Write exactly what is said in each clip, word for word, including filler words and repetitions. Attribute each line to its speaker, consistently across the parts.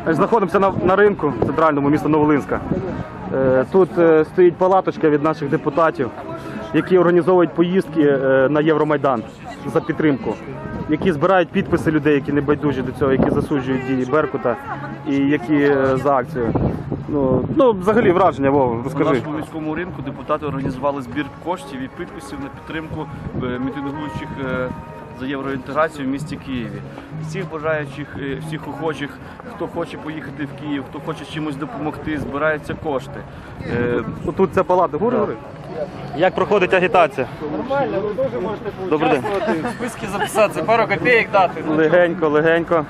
Speaker 1: Знаходимося на, на ринку центральному міста Новолинська. Тут стоїть палаточка від наших депутатів, які організовують поїздки на Євромайдан за підтримку, які збирають підписи людей, які не байдужі до цього, які засуджують дії Беркута і які за акцію. Ну, ну взагалі враження, Вова, розкажи.
Speaker 2: На нашому міському ринку депутати організували збір коштів і підписів на підтримку мітингуючих за євроінтеграцію в місті Києві. Всіх бажаючих, всіх охочих, хто хоче поїхати в Київ, хто хоче чимось допомогти, збираються кошти.
Speaker 1: Тут ця палата, гори, гори. Як проходить агітація?
Speaker 3: Нормально, ви дуже можете
Speaker 1: Добрий день.
Speaker 3: в списки записатися, пару копійок дати.
Speaker 1: Легенько, легенько.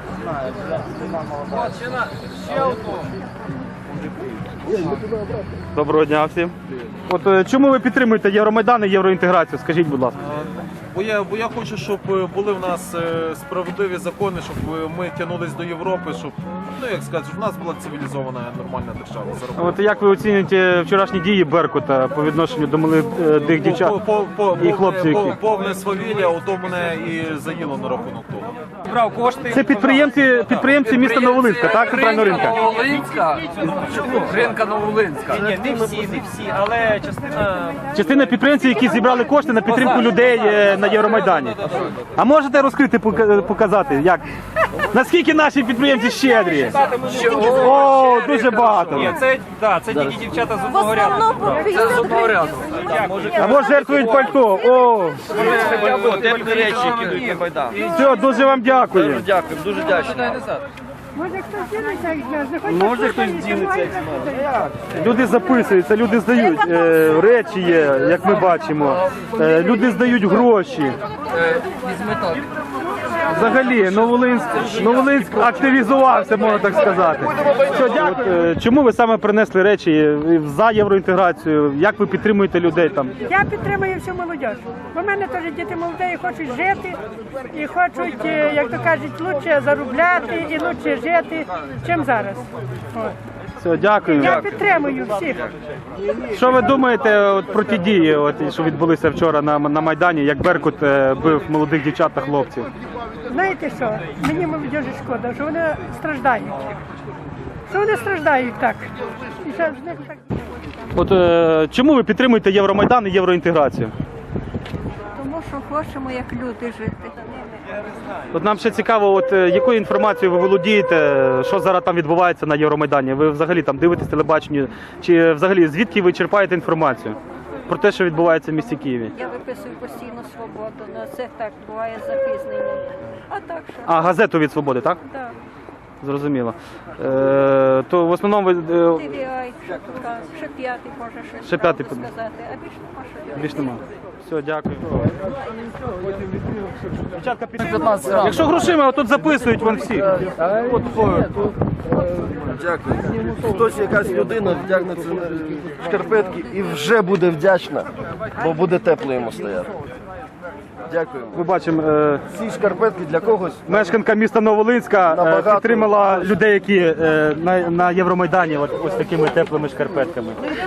Speaker 1: Доброго дня всім. От чому ви підтримуєте Євромайдан і євроінтеграцію? Скажіть, будь ласка.
Speaker 4: Бо я, бо я хочу, щоб були в нас справедливі закони, щоб ми тягнулись до Європи, щоб, ну як сказати, щоб в нас була цивілізована нормальна держава.
Speaker 1: От як ви оцінюєте вчорашні дії Беркута по відношенню до молодих дівчат
Speaker 4: по, по,
Speaker 1: і хлопців?
Speaker 4: Повне,
Speaker 1: які...
Speaker 4: повне свавілля, ото мене і заїло на рахунок того.
Speaker 3: Брав кошти.
Speaker 1: Це підприємці, підприємці міста Новолинська, так? Центрального ринка?
Speaker 3: Новолинська. Ринка Новолинська. Ні, не всі, не всі, але частина...
Speaker 1: Частина підприємців, які зібрали кошти на підтримку людей на Євромайдані. А можете розкрити, показати, як? Наскільки наші підприємці щедрі? О, дуже багато.
Speaker 3: Ні, це, да, це тільки дівчата з одного ряду. Це з одного ряду.
Speaker 1: Або жертвують пальто. О,
Speaker 2: Теплі речі, які йдуть на Майдан.
Speaker 1: все, дуже вам дякую.
Speaker 2: Дякую, дуже дякую.
Speaker 5: Може хтось дінеться, як з нас? Не хоче
Speaker 2: Може хтось дінеться, як з нас.
Speaker 1: Люди записуються, люди здають е, речі є, як ми бачимо. Е, люди здають гроші. Взагалі, Новолинськ, Новолинськ активізувався, можна так сказати. Що, дякую. От, е, чому ви саме принесли речі за євроінтеграцію? Як ви підтримуєте людей там?
Speaker 5: Я підтримую всю молодь. Бо в мене теж діти молоді і хочуть жити, і хочуть, е, як то кажуть, краще заробляти і краще жити, чим зараз. От.
Speaker 1: Все, дякую.
Speaker 5: Я підтримую всіх.
Speaker 1: Що ви думаєте от, про ті дії, от, що відбулися вчора на, на Майдані, як Беркут е, бив молодих дівчат та хлопців?
Speaker 5: Знаєте що? Мені молодежі шкода, що вони страждають. Що вони страждають так. І що з них так...
Speaker 1: От е, чому ви підтримуєте Євромайдан і євроінтеграцію?
Speaker 6: Тому що хочемо, як люди, жити.
Speaker 1: От нам ще цікаво, от е, якою інформацією ви володієте, що зараз там відбувається на Євромайдані? Ви взагалі там дивитесь телебачення, чи взагалі звідки ви черпаєте інформацію про те, що відбувається в місті Києві?
Speaker 6: Я виписую постійно свободу, але це так буває запізнення. А так що?
Speaker 1: А, газету від «Свободи», так?
Speaker 6: Так.
Speaker 1: Зрозуміло. Е, то в основному ви... Е,
Speaker 6: Ті ві ай, що тут, ще п'ятий, може, щось
Speaker 1: Ще п'ятий
Speaker 6: правду сказати, а більш нема що дивитися.
Speaker 1: більш нема. Все, дякую. Дівчатка, підтримуйте. Якщо грошима, тут записують вон всі. От,
Speaker 7: Дякую. Хтось, якась людина вдягнеться в шкарпетки і вже буде вдячна, бо буде тепло йому стояти. Дякую.
Speaker 1: ми бачимо, е,
Speaker 7: Ці шкарпетки для когось
Speaker 1: мешканка міста Новолинська е,
Speaker 7: Набагато.
Speaker 1: підтримала людей, які е, на, на Євромайдані от, ось такими теплими шкарпетками.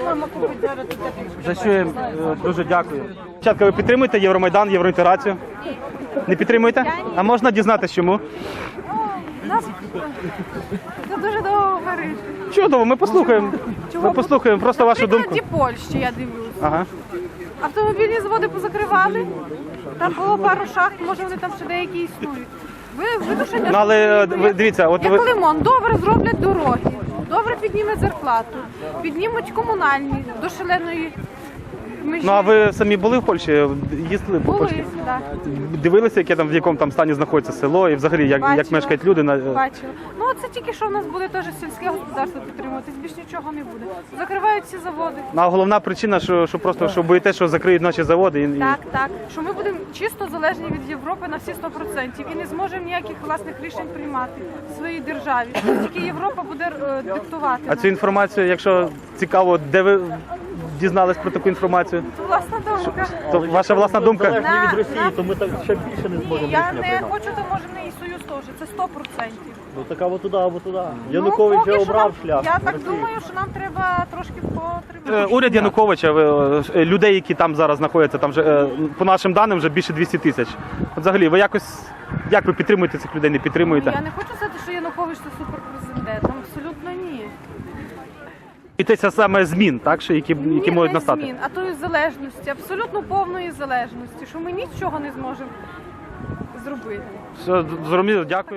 Speaker 1: За що їм е, дуже дякую. Дівчатка, ви підтримуєте Євромайдан, євроінтеграцію? Не підтримуєте? А можна дізнатися, чому?
Speaker 5: Нас це дуже довго говориш.
Speaker 1: Чудово, ми послухаємо. Ми послухаємо просто вашу думку.
Speaker 8: В Польщі, я дивлюсь.
Speaker 1: Ага.
Speaker 8: Автомобільні заводи позакривали, там було пару шахт, може вони там ще деякі існують. Ви видушення,
Speaker 1: Ну, але е, ви дивіться, от
Speaker 8: як
Speaker 1: ви...
Speaker 8: Лимон, добре зроблять дороги, добре піднімуть зарплату, піднімуть комунальні до шаленої межі.
Speaker 1: Ну, а ви самі були в Польщі? Їздили по Польщі?
Speaker 8: Були, так.
Speaker 1: Дивилися, яке там, в якому там стані знаходиться село і взагалі, як, як
Speaker 8: Бачила.
Speaker 1: мешкають люди? На...
Speaker 8: Бачила. Ну, це тільки що в нас буде теж сільське господарство підтримуватись, більш нічого не буде. Закривають всі заводи.
Speaker 1: Ну, а головна причина, що, що просто що боїте, що закриють наші заводи. І...
Speaker 8: Так, так. Що ми будемо чисто залежні від Європи на всі сто відсотків і не зможемо ніяких власних рішень приймати в своїй державі. Тільки Європа буде е, диктувати.
Speaker 1: А цю інформацію, якщо цікаво, де ви дізнались про таку інформацію?
Speaker 8: Це власна думка.
Speaker 1: То ваша власна думка?
Speaker 8: На, від Росії, то ми так ще більше не зможемо. Я не хочу, то може не і Союз теж. Це сто відсотків.
Speaker 9: Ну так або туди, або туди.
Speaker 8: Янукович вже обрав шлях. Я так думаю, що нам треба трошки потримати.
Speaker 1: Уряд Януковича, ви, е, людей, які там зараз знаходяться, там вже, е, по нашим даним, вже більше двісті тисяч. От взагалі, ви якось Як ви підтримуєте цих людей, не підтримуєте?
Speaker 8: Я не хочу сказати, що Янукович це суперпрезидент. Абсолютно ні.
Speaker 1: Боїтеся саме змін, так, що які, які
Speaker 8: Ні,
Speaker 1: можуть
Speaker 8: не
Speaker 1: настати?
Speaker 8: змін, а тої залежності, абсолютно повної залежності, що ми нічого не зможемо зробити.
Speaker 1: Все, зрозуміло, дякую.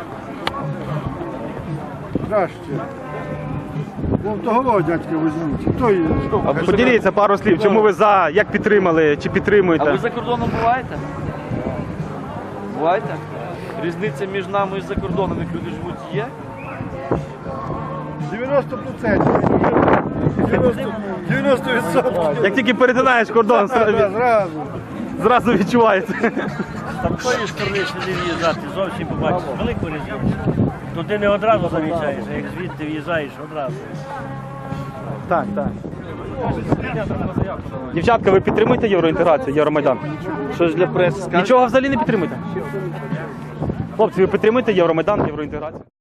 Speaker 9: Краще. Вон того дядька візьміть. Той...
Speaker 1: Поділіться пару слів, чому ви за, як підтримали, чи
Speaker 2: А
Speaker 1: підтримуєте?
Speaker 2: ви за кордоном буваєте? Буваєте? Різниця між нами і за кордоном, як люди живуть, є?
Speaker 9: дев'яносто відсотків. дев'яносто відсотків.
Speaker 1: Як тільки перетинаєш кордон,
Speaker 9: Зразу.
Speaker 1: зразу відчувається.
Speaker 10: Там тої сторони сюди в'їжджати, зовсім побачиш велику різницю. Туди не одразу замічаєш, а як звідти в'їжджаєш одразу.
Speaker 1: Так, так. Дівчатка, ви підтримуєте євроінтеграцію, Євромайдан?
Speaker 2: Щось для преси скажете?
Speaker 1: Нічого взагалі не підтримуєте? Хлопці, ви підтримуєте Євромайдан, євроінтеграцію?